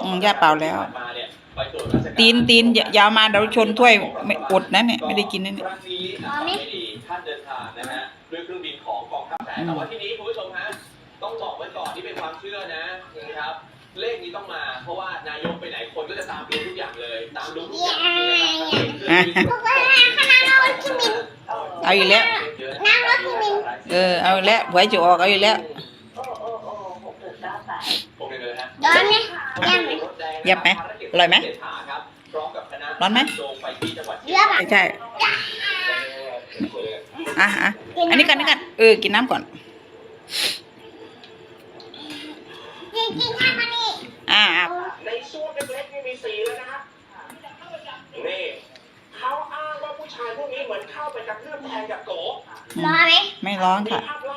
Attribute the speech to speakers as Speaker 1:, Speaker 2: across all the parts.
Speaker 1: ย่าเปล่าแล้วตีนยาวมาเดี๋ยวชนถ้วยไม่อดนะเนี่ยไม่ได้กินนะเนี่ย
Speaker 2: ท่านเดินทางนะฮะด้วยเครื่องบินของกองทัพแผ่แต่ว่าที่นี้คุณผู้ชมฮะต้องบอกไว้ก่อนที่เป็นความเชื่อนะครับเลขนี้ต้องมาเพราะว่านายกไปไหนคนก็จะตามดูทุกอย่างเลยตามดูทุกอย่าง
Speaker 1: เอาอีกแล้วเอาอีกแล้วหวยจะออกเอาอีกแล้วยับไหมอร่อยไหมร้อนไหมไม่ใช่อันนี้กันกินน้ำก่อน
Speaker 2: ในช่วงเล็กๆนี่มีสีแล้วนะครับนี่เขาอ้างว่าผู้ชายพวกนี้เหมือนเข้าไปกระทืบแทงกับโก
Speaker 3: ร้อนไหม
Speaker 1: ไม่ร้อนค่ะ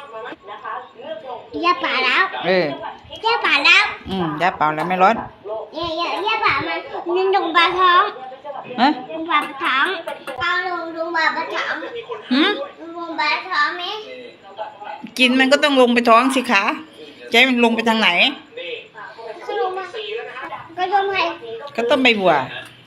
Speaker 3: ย่าป่าแล้วย่าป่าแล้ว
Speaker 1: ย่าเปล่าแล้วไม่ร้อน
Speaker 3: ย่าป่ามันลงปลาท้องลงปลาท้องเอาลงปลาท้องลงปลาท้องไหม
Speaker 1: กินมันก็ต้องลงไปท้องสิคะใจมันลงไปทางไหน
Speaker 3: ก็ต้มไข่
Speaker 1: ก็ต้มใบบัว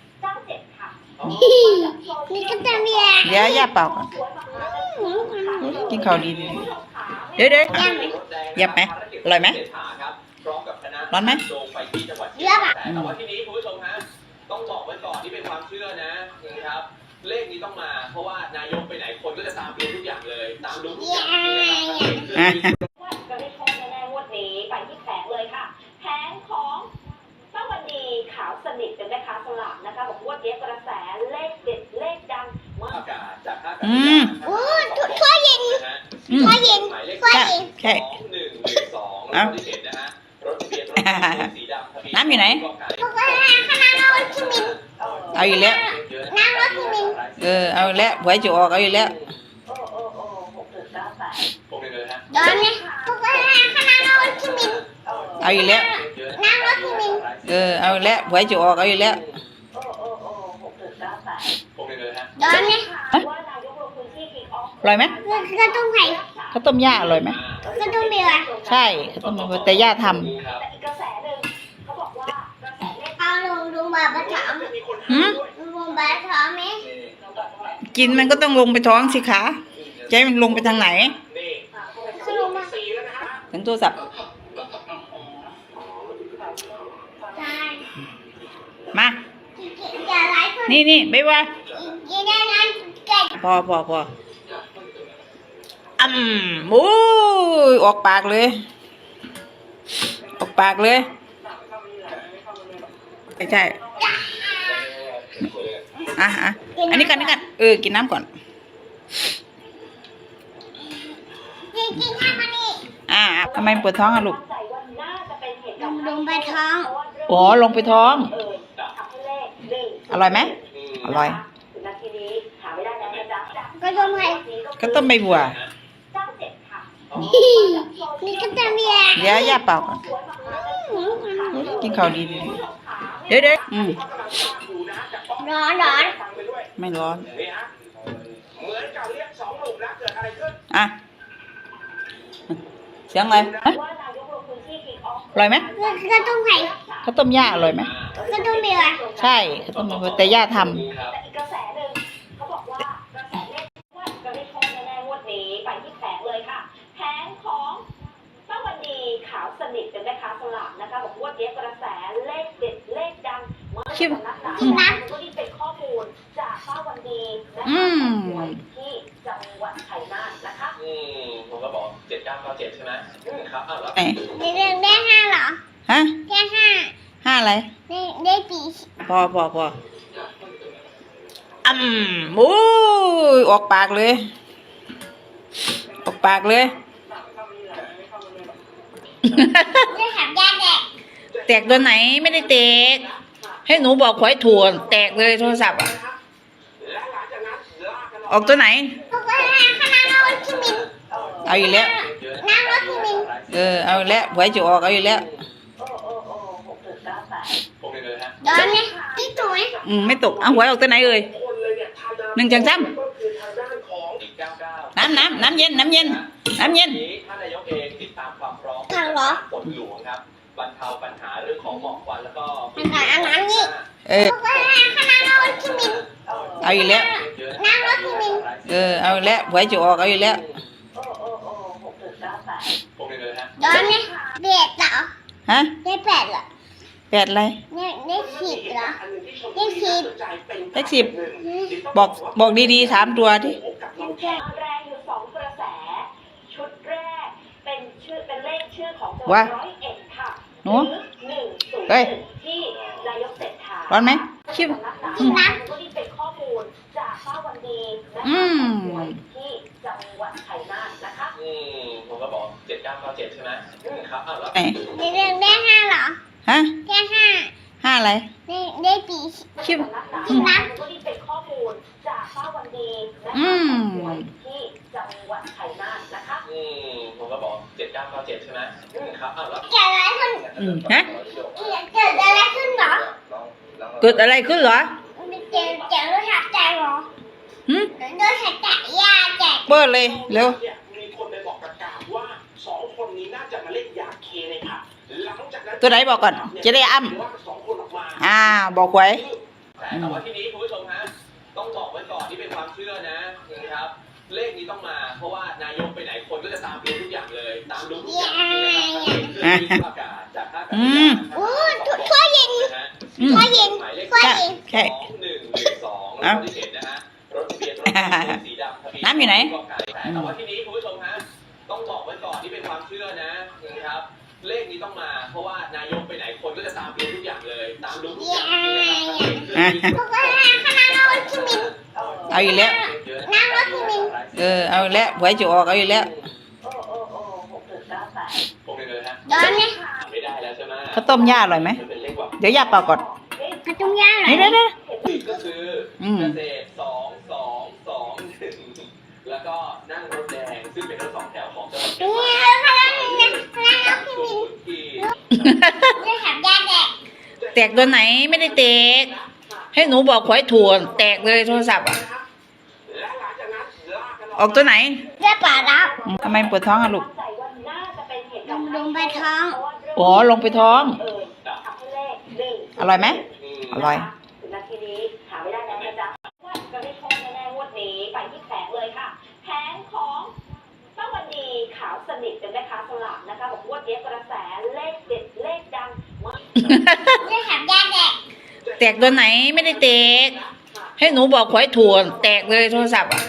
Speaker 3: นี่ก็ต้มเบียร์
Speaker 1: เดี๋ยวย่าเปล่าก่อนกินข้าวดีเดี๋ยวยับไหมอร่อยไหมร้อนไหม
Speaker 3: เยอะอ่ะ
Speaker 2: แต่ว่าที่นี้คุณผู้ชมฮะต้องบอกไว้ก่อนที่เป็นความเชื่อนะครับเลขนี้ต้องมาเพราะว่านายกไปไหนคนก็จะตามดูทุกอย่างเลยตามดูทุกอย่าง
Speaker 4: จะได้โชคแน่ๆงวดนี้ไปที่แผงเลยค่ะแผงของป้าวันดีขาวสนิทเป็นแม่ค้าสลากนะคะบอกงวดนี้กระแสเลขเด็ดเลขดังมาก
Speaker 2: จากท่า
Speaker 3: โอ้ถ้วยเย็น
Speaker 1: ใช่น้ำอยู่ไหนเอาอีกแล้วเอาอีกแล้วหวยจะออกเอาอีกแล้วเอาอีกแล้วเอาอีกแล้วหวยจะออกเอาอีกแล้วอร่อยไหม
Speaker 3: ก็ต้มไข่
Speaker 1: ข้าวต้มย่าอร่อยไหม
Speaker 3: ก็ต้มเบียร์
Speaker 1: ใช่ข้าวต้มเบียร์แต่ย่าทำ
Speaker 3: เอาลงปลาท้องลงปลาท้องไหม
Speaker 1: กินมันก็ต้องลงไปท้องสิคะใจมันลงไปทางไหนถึงโทรศัพท์มานี่บ๊ายบายพอโอ้ยออกปากเลยไม่ใช่อันนี้กันกินน้ำก่อนทำไมปวดท้องลูก
Speaker 3: ลงไปท้อง
Speaker 1: ลงไปท้องอร่อยไหมอร่อย
Speaker 3: ก็ต้มไข่
Speaker 1: ก็ต้มใบบัว
Speaker 3: นี่ก็ต้มเบียร์
Speaker 1: เดี๋ยวย่าเปล่าก่อนกินข้าวดีเดี๋ยว
Speaker 3: ร้อน
Speaker 1: ไม่ร้อนเสียงอะไรอร่อยไหม
Speaker 3: ก็ต้มไข่
Speaker 1: ข้าวต้มย่าอร่อยไหม
Speaker 3: ก็ต้มเบียร์
Speaker 1: ใช่ข้าวต้มเบียร์แต่ย่าทำ
Speaker 4: จะได้โชคแน่ๆงวดนี้ไปที่แผงเลยค่ะแผงของป้าวันดีขาวสนิทเป็นแม่ค้าสลากนะคะบอกงวดนี้กระแสเลขเด็ดเลขดังมากสำนักข่าวก็นี่เป็นข้อมูลจากป้าวันดีและหวยที่จังหวัดชัยนาทนะคะ
Speaker 2: ผมก็บอก7997ใช่ไหมครับแล้ว
Speaker 3: ได้5เหรอ
Speaker 1: ฮะ
Speaker 3: ได้
Speaker 1: 5อะไร
Speaker 3: ได้ปี
Speaker 1: พอโอ้ยออกปากเลย
Speaker 3: ได้ถามย่า
Speaker 1: แตกตัวไหนไม่ได้แตกให้หนูบอกหวยถั่วแตกเลยโทรศัพท์ออกตัวไหนเอาอีกแล้วเอาอีกแล้วหวยจะออกเอาอีกแล้วไม่ตกเอาหวยออกตัวไหนเอ่ย1 จังซ้ำน้ำเย็น
Speaker 2: ท่านนายกเองติดตามความพร้อมฝนหลวงครับบรรเทาปัญหาเรื่องของหมอกควันแล้วก็
Speaker 3: อันนั้นนี่ คณะเราคิมิน
Speaker 1: เอาอีกแล้ว
Speaker 3: นั่งรถคิมิน
Speaker 1: เอาอีกแล้วหวยจะออกเอาอีกแล้ว
Speaker 2: ผมเลยฮะ
Speaker 3: ตอนนี้เบ็ดเหรอ
Speaker 1: ฮะ
Speaker 3: ได้แปดเหรอ
Speaker 1: แปดอะไร
Speaker 3: ได้สิบเหรอได้สิบ
Speaker 1: เลขสิบบอกดีๆ3 ตัวที่
Speaker 4: แรงอยู่สองกระแส ชุดแรกเป็นเลขชื่อของจังหวัด101ค่ะ
Speaker 1: หนู
Speaker 4: 101
Speaker 1: เฮ้ย
Speaker 4: ที่นายกเศรษฐา
Speaker 1: ร้อนไหมคิด
Speaker 4: จริงนะก็นี่เป็นข้อมูลจากป้าวันดีนะคะที่จังหวัดชัยนาทนะคะ
Speaker 2: ผมก็บอก7997ใช่ไหมครับแล้ว
Speaker 1: ไหน
Speaker 3: ได้ห้าเหรอ
Speaker 1: ฮะ
Speaker 3: ได้ห้า
Speaker 1: 5อะไร
Speaker 3: ได้ปี
Speaker 1: คิด
Speaker 4: จริงนะก็นี่เป็นข้อมูลจากป้าวันดีนะคะที่จังหวัดชัยนาทนะคะ
Speaker 2: ผมก็บอก7997ใช่ไหมครับแล้ว
Speaker 3: เกิดอะไรขึ้น
Speaker 1: ฮะ
Speaker 3: เกิดอะไรขึ้นเหรอ
Speaker 1: เกิดอะไรขึ้นเหรอ
Speaker 3: เจ๋งรู้ถักใจเหรอ
Speaker 1: หึ
Speaker 3: ดูถักใจยาแจก
Speaker 1: เปิดเลยเร็ว
Speaker 2: มีคนไปบอกประกาศว่า2 คนนี้น่าจะมาเล่นยาเคในผับหลังจากนั้น
Speaker 1: ตัวไหนบอกก่อนจะได้อ้ำ
Speaker 2: ว่า2 คนออกมา
Speaker 1: บอกหวย
Speaker 2: แต่ว่าที่นี้คุณผู้ชมฮะต้องบอกไว้ก่อนที่เป็นความเชื่อนะครับ เลขนี้ต้องมาเพราะว่านายกไปไหนคนก็จะตามดูทุกอย่างเลยตามดูทุกอย่างนะครับประกาศจากท่าอากาศยาน
Speaker 3: โอ้ถ้วยเย็นถ้วยเย็นถ้วยเย็น
Speaker 1: ใช่
Speaker 2: 2112แล้วก็ที่เห็นนะฮะรถทะเบียนรถสีดำทะเบียน
Speaker 1: น้ำอยู่ไหน
Speaker 2: แต่ว่าที่นี้คุณผู้ชมฮะต้องบอกไว้ก่อนที่เป็นความเชื่อนะครับ เลขนี้ต้องมาเพราะว่านายกไปไหนคนก็จะตามดูทุกอย่างเลยตามดูทุกอย่าง
Speaker 3: คณะเราคิมิน
Speaker 1: เอาอีกแล้ว
Speaker 3: นั่งรถคิมิน
Speaker 1: เอาอีกแล้วหวยจะออกเอาอีกแล้ว
Speaker 2: ผมเลยฮะ
Speaker 3: ตอนนี้
Speaker 2: ไม่ได้แล้วใช่ไหม
Speaker 1: ข้าวต้มย่าอร่อยไหม
Speaker 2: มันเป็นเลขแบบ
Speaker 1: เดี๋ยวย่าเป่าก่อน
Speaker 3: กระตุ้งย่าเหรอ
Speaker 1: นี่เด้อ
Speaker 2: ก็คือเกษตร2221แล้วก็นั่งรถแดงซึ่งเป็นรถ2 แถวของจังหวัด
Speaker 3: นี่คณะเราคิมินดูถักยาแจก
Speaker 1: แตกตัวไหนไม่ได้แตกให้หนูบอกหวยถั่วแตกเลยโทรศัพท์ออกตัวไหน
Speaker 3: ได้ป่ารับ
Speaker 1: ทำไมปวดท้องอะลูก
Speaker 3: ลงไปท้อง
Speaker 1: ลงไปท้อง อร่อยไหมอร่อย
Speaker 4: นาทีนี้หาไม่ได้แล้วนะจ๊ะว่าจะได้โชคแน่ๆงวดนี้ไปที่แผงเลยค่ะแผงของป้าวันดีขาวสนิทเป็นแม่ค้าสลากนะคะบอกงวดนี้กระแสเลขเด็ดเลขดังมาก
Speaker 3: ได้ถักยาแจก
Speaker 1: แตกตัวไหนไม่ได้แตกให้หนูบอกหวยถั่วแตกเลยโทรศัพท์อะ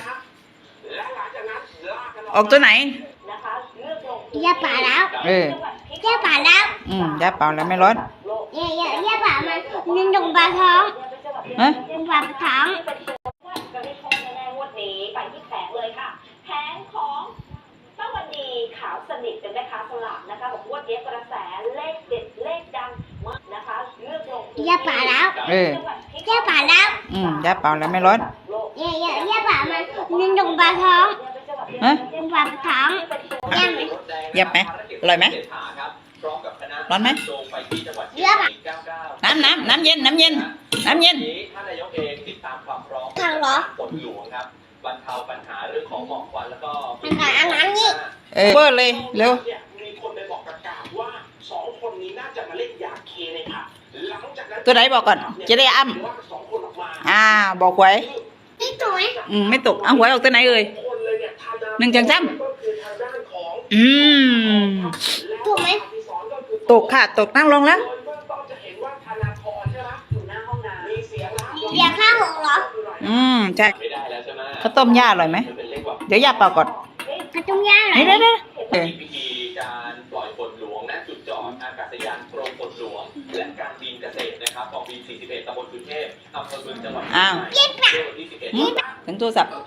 Speaker 1: ออกตัวไหน
Speaker 4: นะคะเลือกลง
Speaker 3: ยาป่ารับยาป่ารับ
Speaker 1: ย่าเป่าแล้วไม่ร้อน
Speaker 3: ยาป่ามันมีลงปลาท้อง
Speaker 1: ฮะ
Speaker 3: ลงปลาท้อง
Speaker 4: จะได้โชคแน่ๆงวดนี้ไปที่แผงเลยค่ะแผงของป้าวันดีขาวสนิทเป็นแม่ค้าสลากนะคะบอกงวดนี้กระแสเลขเด็ดเลขดังมากนะคะเลือกลง
Speaker 3: ยาป่ารับ ยาป่ารับ
Speaker 1: ย่าเป่าแล้วไม่ร้อน
Speaker 3: ยาป่ามันมีลงปลาท้อง
Speaker 1: ฮะ
Speaker 3: ลงปลาท้องยาไหม
Speaker 1: ยับไหมอร่อยไหมร้อนไหม
Speaker 3: เยอะอะ
Speaker 1: น้ำเย็นน้ำเย็น
Speaker 2: ท่านนายกเองติดตามความพร้อม
Speaker 3: ทางเหรอ
Speaker 2: ฝนหลวงครับบรรเทาปัญหาเรื่องของหมอกควันแล้วก็
Speaker 3: อันนั้นนี่
Speaker 1: เปิดเลยเร็ว
Speaker 2: มีคนไปบอกประกาศว่า2 คนนี้น่าจะมาเล่นยาเคในผับหลังจากนั้น
Speaker 1: ตัวไหนบอกก่อนจะได้อ้ำ
Speaker 2: ว่า2 คนออกมา
Speaker 1: บอกหวย
Speaker 3: นี่ถูกไหม
Speaker 1: ไม่ตกเอาหวยออกตัวไหนเอ่ย
Speaker 2: คนเลยเนี่ยทานา
Speaker 1: หนึ่งจังจ้
Speaker 2: ก็คือทางด้านของ
Speaker 1: ำ
Speaker 3: ถูกไหม
Speaker 2: ที่สอนก็คือ
Speaker 1: ตกค่ะตกนั่งลงแล้ว
Speaker 2: โดยเบื้องต้นจะเห็นว่าธนาธรใช่ไหมอยู่หน้าห้องน้ำมีเสียงนะ
Speaker 3: ยาฆ่าหงเหรอ
Speaker 1: ใช่
Speaker 2: ไม่ได้แล้วใช่ไหม
Speaker 1: ข้าวต้มย่าอร่อยไหม
Speaker 2: มันเป็นเลขแบบ
Speaker 1: เดี๋ยวย่าเป่าก่อน
Speaker 3: กระตุ้งย่าเหรอ
Speaker 1: นี่เด้อ
Speaker 2: มีพิธีการปล่อยฝนหลวงณจุดจอดอากาศยานกรมฝนหลวง และการบินเกษตรนะครับกองบิน 41 ตำบลสุเทพอำเภอเมืองจังหวัด
Speaker 1: อ้าว
Speaker 2: เมื่อวันที่ 11
Speaker 1: ถึงโทรศัพท์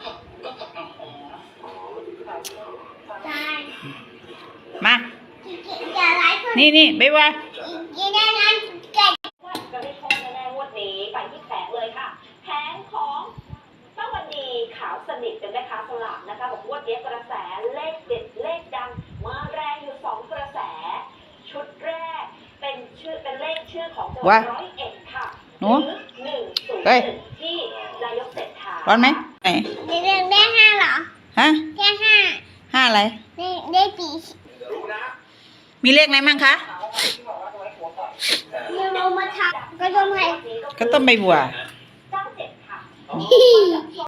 Speaker 3: ใช่
Speaker 1: มา
Speaker 3: อย่าไล่คน
Speaker 1: นี่บ๊ายบาย
Speaker 3: กินได้นั้นเก่ง
Speaker 4: จะได้โชคแน่ๆงวดนี้ไปที่แผงเลยค่ะแผงของป้าวันดีขาวสนิทเป็นแม่ค้าสลากนะคะบอกงวดนี้กระแสเลขเด็ดเลขดังมาแรงอยู่สองกระแส ชุดแรกเป็นเลขชื่อของจังหวัด101ค่ะ
Speaker 1: หนู
Speaker 4: 101ที่นายกเศรษฐา
Speaker 1: ร้อนไหมไหน
Speaker 3: ได้ห้าเหรอ
Speaker 1: ฮะ
Speaker 3: ได้ห้า
Speaker 1: 5อะไร
Speaker 3: ได้ปี
Speaker 2: รู้นะ
Speaker 1: มีเลขอะไรมั่งคะ
Speaker 3: ยังลงมาทับก็ต้มให้
Speaker 1: ก็ต้มใบบัว
Speaker 4: 97 ค่ะ